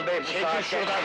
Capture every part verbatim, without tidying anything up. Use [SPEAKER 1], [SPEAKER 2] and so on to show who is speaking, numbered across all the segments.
[SPEAKER 1] Erdal Bey, bu
[SPEAKER 2] Çekil
[SPEAKER 1] saatte...
[SPEAKER 2] şuradan!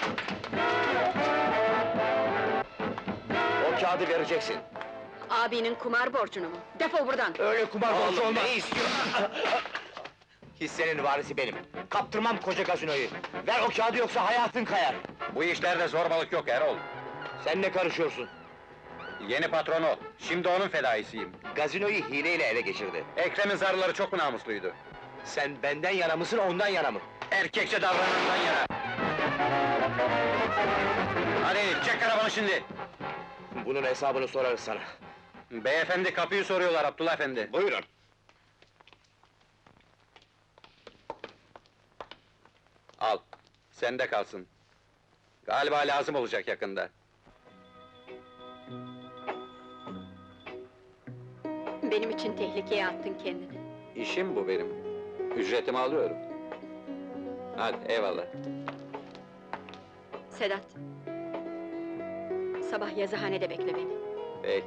[SPEAKER 1] O kağıdı vereceksin.
[SPEAKER 3] Abinin kumar borcunu mu? Defol buradan!
[SPEAKER 2] Öyle kumar borcu
[SPEAKER 1] Oğlum,
[SPEAKER 2] olmaz!
[SPEAKER 1] ne istiyorsun?
[SPEAKER 2] Hissenin varisi benim! Kaptırmam koca gazinoyu! Ver o kağıdı yoksa hayatın kayar!
[SPEAKER 4] Bu işlerde zorbalık yok Erol.
[SPEAKER 2] Sen ne karışıyorsun?
[SPEAKER 4] Yeni patron o. Şimdi onun fedaisiyim.
[SPEAKER 2] Gazinoyu hileyle ele geçirdi.
[SPEAKER 4] Ekrem'in zarları çok mu namusluydu?
[SPEAKER 2] Sen benden yana mısın, ondan yana mı?
[SPEAKER 4] Erkekçe davranandan yana. Hadi çek arabanı şimdi.
[SPEAKER 2] Bunun hesabını sorarız sana.
[SPEAKER 4] Beyefendi kapıyı soruyorlar Abdullah efendi.
[SPEAKER 2] Buyurun!
[SPEAKER 4] Al. Sende kalsın. Galiba lazım olacak yakında.
[SPEAKER 3] Benim için tehlikeye attın kendini.
[SPEAKER 4] İşim bu benim. Ücretimi alıyorum. Hadi eyvallah.
[SPEAKER 3] Sedat! Sabah yazıhanede bekle beni.
[SPEAKER 4] Peki.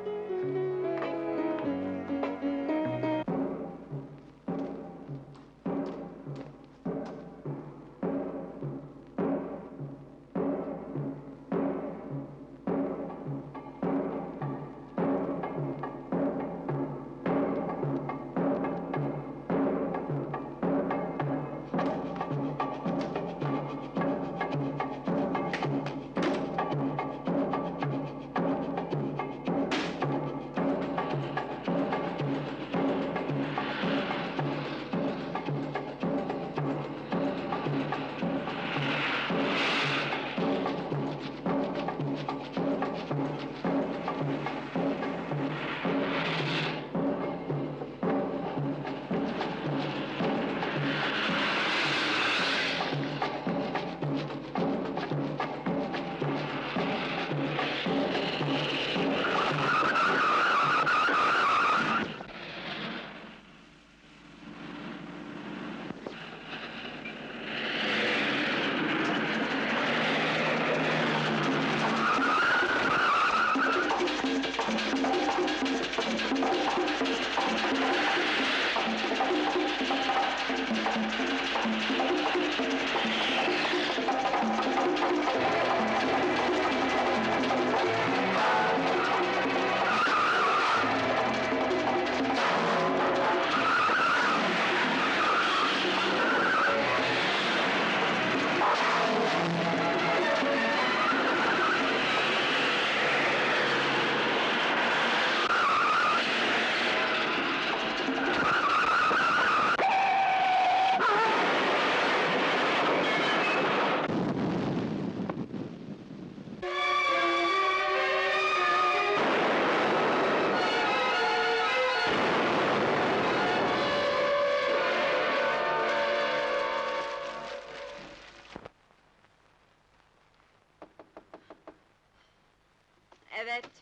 [SPEAKER 3] Evet.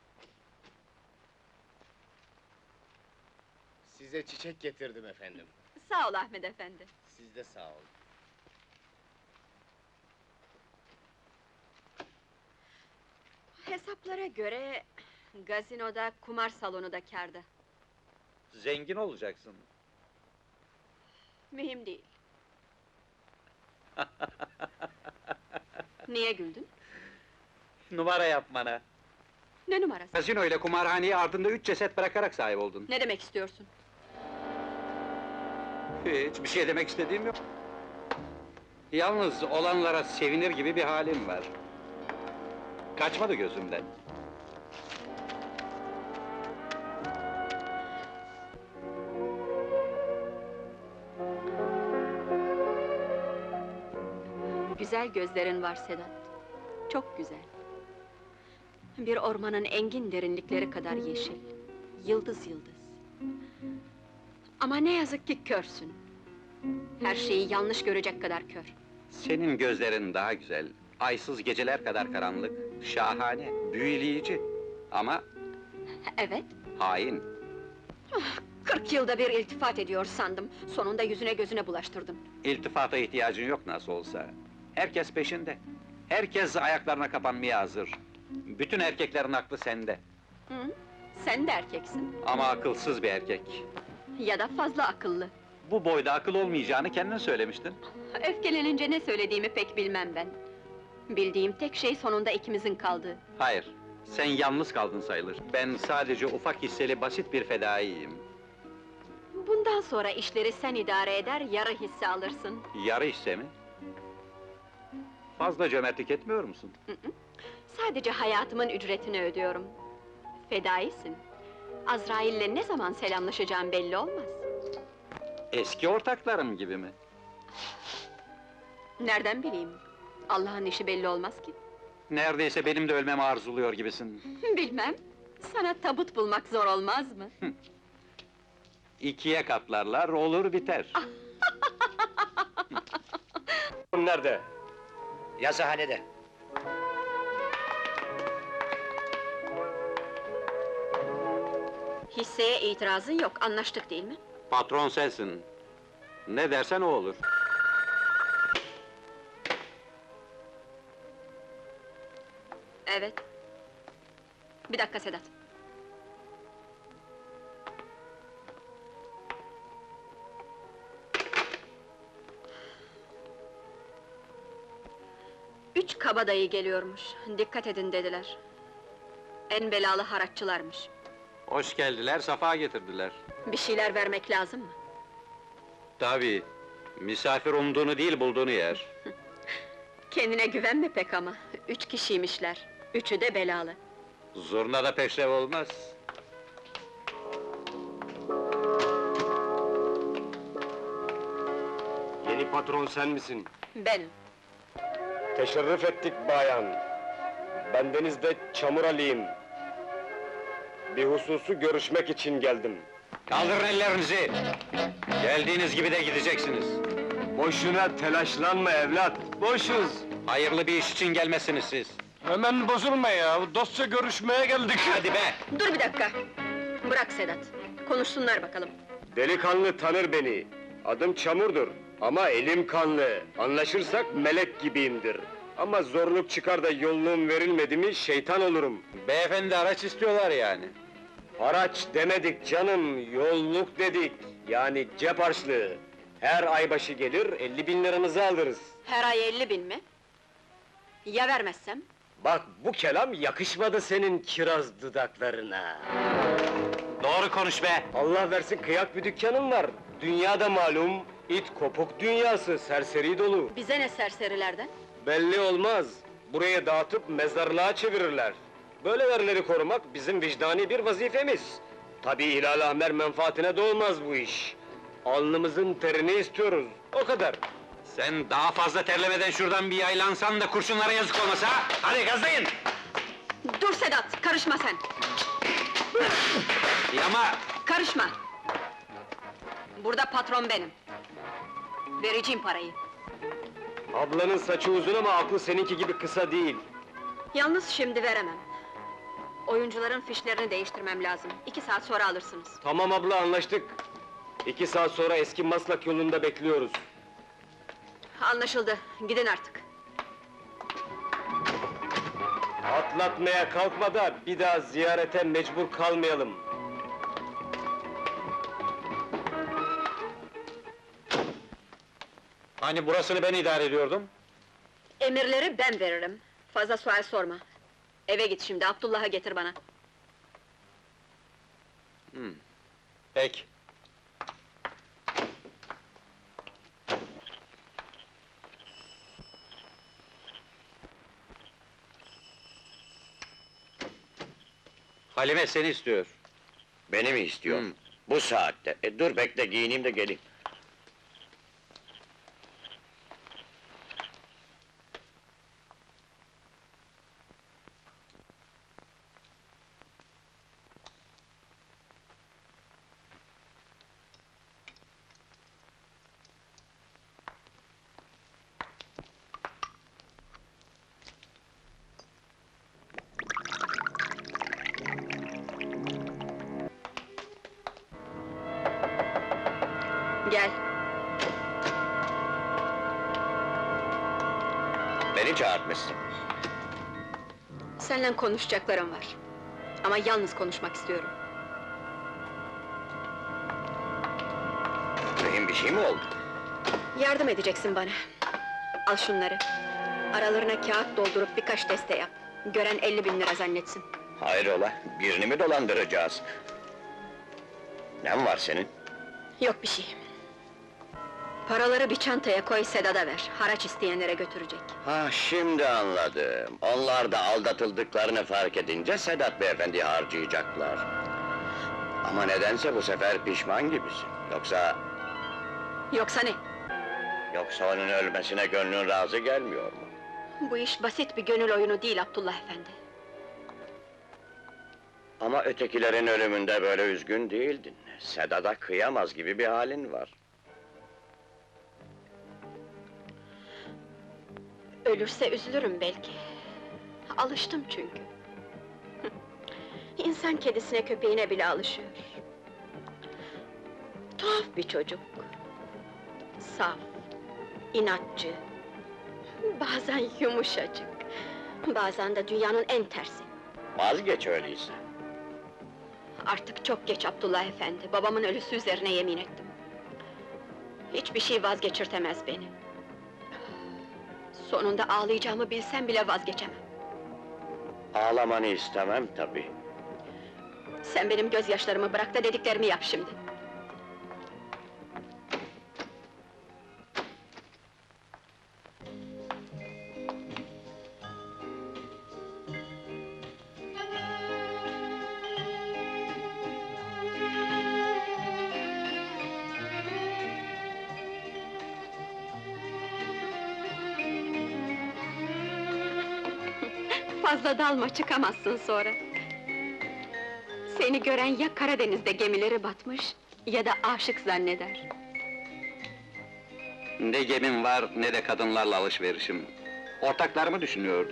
[SPEAKER 2] Size çiçek getirdim efendim.
[SPEAKER 3] Sağ ol Ahmet efendi.
[SPEAKER 2] Siz de sağ olun.
[SPEAKER 3] Hesaplara göre... gazinoda, kumar salonu da kârda.
[SPEAKER 4] Zengin olacaksın.
[SPEAKER 3] Mühim değil. Niye güldün?
[SPEAKER 4] Numara yapmana.
[SPEAKER 3] Ne numarası?
[SPEAKER 4] Gazino ile kumarhaneyi ardında üç ceset bırakarak sahip oldun.
[SPEAKER 3] Ne demek istiyorsun?
[SPEAKER 4] Hiç bir şey demek istediğim yok. Yalnız olanlara sevinir gibi bir halim var. Kaçmadı gözümden.
[SPEAKER 3] Güzel gözlerin var Sedat. Çok güzel. Bir ormanın engin derinlikleri kadar yeşil. Yıldız yıldız. Ama ne yazık ki körsün. Her şeyi yanlış görecek kadar kör.
[SPEAKER 4] Senin gözlerin daha güzel. Aysız geceler kadar karanlık, şahane, büyüleyici. Ama
[SPEAKER 3] Evet,
[SPEAKER 4] hain.
[SPEAKER 3] kırk yılda bir iltifat ediyor sandım. Sonunda yüzüne gözüne bulaştırdım.
[SPEAKER 4] İltifata ihtiyacın yok nasıl olsa. Herkes peşinde. Herkes ayaklarına kapanmaya hazır. Bütün erkeklerin aklı sende.
[SPEAKER 3] Hı? Sen de erkeksin.
[SPEAKER 4] Ama akılsız bir erkek.
[SPEAKER 3] Ya da fazla akıllı.
[SPEAKER 4] Bu boyda akıl olmayacağını kendin söylemiştin.
[SPEAKER 3] Öfkelenince ne söylediğimi pek bilmem ben. Bildiğim tek şey sonunda ikimizin kaldığı.
[SPEAKER 4] Hayır, sen yalnız kaldın sayılır. Ben sadece ufak hisseli basit bir fedaiyim.
[SPEAKER 3] Bundan sonra işleri sen idare eder, yarı hisse alırsın.
[SPEAKER 4] Yarı hisse mi? Fazla cömertlik etmiyor musun?
[SPEAKER 3] Sadece hayatımın ücretini ödüyorum. Fedaisin. Azrail'le ne zaman selamlaşacağım belli olmaz.
[SPEAKER 4] Eski ortaklarım gibi mi?
[SPEAKER 3] Nereden bileyim? Allah'ın işi belli olmaz ki.
[SPEAKER 4] Neredeyse benim de ölmemi arzuluyor gibisin.
[SPEAKER 3] Bilmem. Sana tabut bulmak zor olmaz mı?
[SPEAKER 4] İkiye katlarlar, olur biter.
[SPEAKER 2] Nerede? Yazıhanede.
[SPEAKER 3] Hisseye itirazın yok, anlaştık değil mi?
[SPEAKER 4] Patron sensin. Ne dersen o olur.
[SPEAKER 3] Evet. Bir dakika Sedat. Üç kabadayı geliyormuş, dikkat edin dediler. En belalı haraççılarmış.
[SPEAKER 4] Hoş geldiler, safa getirdiler.
[SPEAKER 3] Bir şeyler vermek lazım mı?
[SPEAKER 4] Tabii, misafir umduğunu değil bulduğunu yer.
[SPEAKER 3] Kendine güvenme pek ama, üç kişiymişler, üçü de belalı.
[SPEAKER 4] Zurna da peşrev olmaz.
[SPEAKER 1] Yeni patron sen misin?
[SPEAKER 3] Benim.
[SPEAKER 1] Teşerrüf ettik bayan. Bendeniz de Çamur Ali'yim. Bir hususu görüşmek için geldim.
[SPEAKER 4] Kaldırın ellerinizi! Geldiğiniz gibi de gideceksiniz.
[SPEAKER 1] Boşuna telaşlanma evlat, boşuz.
[SPEAKER 4] Hayırlı bir iş için gelmesiniz siz.
[SPEAKER 1] Hemen bozulma ya, dostça görüşmeye geldik.
[SPEAKER 4] Hadi be!
[SPEAKER 3] Dur bir dakika! Bırak Sedat, konuşsunlar bakalım.
[SPEAKER 1] Delikanlı tanır beni. Adım Çamur'dur. Ama elim kanlı. Anlaşırsak melek gibiyimdir. Ama zorluk çıkar da yolluğum verilmedi mi şeytan olurum.
[SPEAKER 4] Beyefendi araç istiyorlar yani.
[SPEAKER 1] Haraç demedik canım, yolluk dedik. Yani cep harçlığı. Her ay başı gelir, elli bin liranızı alırız.
[SPEAKER 3] Her ay elli bin mi? Ya vermezsem?
[SPEAKER 1] Bak bu kelam yakışmadı senin kiraz dudaklarına.
[SPEAKER 4] Doğru konuş be!
[SPEAKER 1] Allah versin kıyak bir dükkanın var. Dünyada malum, it kopuk dünyası, serseri dolu.
[SPEAKER 3] Bize ne serserilerden?
[SPEAKER 1] Belli olmaz, buraya dağıtıp mezarlığa çevirirler. Böyle yerleri korumak bizim vicdani bir vazifemiz. Tabii ilâlâhmer menfaatine doğmaz bu iş. Alnımızın terini istiyoruz, o kadar.
[SPEAKER 4] Sen daha fazla terlemeden şuradan bir yaylansan da kurşunlara yazık olmasa, ha? Hadi gazlayın!
[SPEAKER 3] Dur Sedat, karışma sen!
[SPEAKER 4] Yama!
[SPEAKER 3] Karışma! Burada patron benim. Vereceğim parayı.
[SPEAKER 1] Ablanın saçı uzun ama aklı seninki gibi kısa değil.
[SPEAKER 3] Yalnız şimdi veremem. Oyuncuların fişlerini değiştirmem lazım. İki saat sonra alırsınız.
[SPEAKER 1] Tamam abla, anlaştık. İki saat sonra eski Maslak yolunda bekliyoruz.
[SPEAKER 3] Anlaşıldı, gidin artık.
[SPEAKER 1] Atlatmaya kalkma da bir daha ziyarete mecbur kalmayalım.
[SPEAKER 4] Hani burasını ben idare ediyordum?
[SPEAKER 3] Emirleri ben veririm. Fazla sual sorma. Eve git şimdi, Abdullah'ı getir bana.
[SPEAKER 4] Peki. Halime seni istiyor.
[SPEAKER 2] Beni mi istiyor?
[SPEAKER 4] Hı.
[SPEAKER 2] Bu saatte. E, dur bekle, giyineyim de geleyim.
[SPEAKER 3] Gel.
[SPEAKER 2] Beni çağırtmışsın.
[SPEAKER 3] Seninle konuşacaklarım var. Ama yalnız konuşmak istiyorum.
[SPEAKER 2] Mühim bir şey mi oldu?
[SPEAKER 3] Yardım edeceksin bana. Al şunları. Aralarına kağıt doldurup birkaç deste yap. Gören elli bin lira zannetsin.
[SPEAKER 2] Hayrola, birini mi dolandıracağız? Ne var senin?
[SPEAKER 3] Yok bir şey. Paraları bir çantaya koy, Sedat'a ver. Haraç isteyenlere götürecek.
[SPEAKER 2] Ha, şimdi anladım. Onlar da aldatıldıklarını fark edince Sedat beyefendi harcayacaklar. Ama nedense bu sefer pişman gibisin. Yoksa...
[SPEAKER 3] Yoksa ne?
[SPEAKER 2] Yoksa onun ölmesine gönlün razı gelmiyor mu?
[SPEAKER 3] Bu iş basit bir gönül oyunu değil Abdullah efendi.
[SPEAKER 2] Ama ötekilerin ölümünde böyle üzgün değildin. Sedat'a kıyamaz gibi bir halin var.
[SPEAKER 3] Ölürse üzülürüm belki. Alıştım çünkü. İnsan kedisine köpeğine bile alışıyor. Tuhaf bir çocuk. Saf, inatçı. Bazen yumuşacık. Bazen de dünyanın en tersi.
[SPEAKER 2] Vazgeç öyleyse.
[SPEAKER 3] Artık çok geç Abdullah efendi. Babamın ölüsü üzerine yemin ettim. Hiçbir şey vazgeçirtemez beni. Sonunda ağlayacağımı bilsem bile vazgeçemem.
[SPEAKER 2] Ağlamanı istemem tabii.
[SPEAKER 3] Sen benim gözyaşlarımı bırak da dediklerimi yap şimdi. Fazla dalma, çıkamazsın sonra. Seni gören ya Karadeniz'de gemileri batmış, ya da aşık zanneder.
[SPEAKER 4] Ne gemim var, ne de kadınlarla alışverişim. Ortaklarımı düşünüyordum.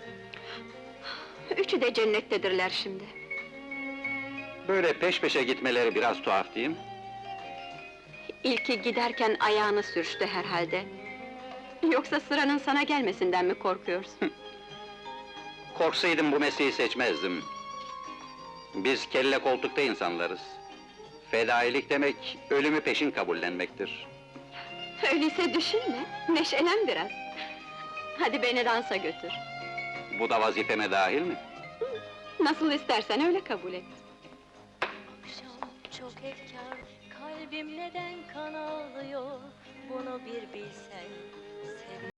[SPEAKER 3] Üçü de cennettedirler şimdi.
[SPEAKER 4] Böyle peş peşe gitmeleri biraz tuhaf değil mi?
[SPEAKER 3] İlki giderken ayağını sürçtü herhalde. Yoksa sıranın sana gelmesinden mi korkuyorsun?
[SPEAKER 4] Korksaydım bu mesleği seçmezdim. Biz kelle koltukta insanlarız. Fedailik demek, ölümü peşin kabullenmektir.
[SPEAKER 3] Öyleyse düşünme, neşelen biraz. Hadi beni dansa götür.
[SPEAKER 4] Bu da vazifeme dahil mi?
[SPEAKER 3] Nasıl istersen öyle kabul et.
[SPEAKER 5] Akşam çok efkar, kalbim neden kan ağlıyor, bunu bir bilsen.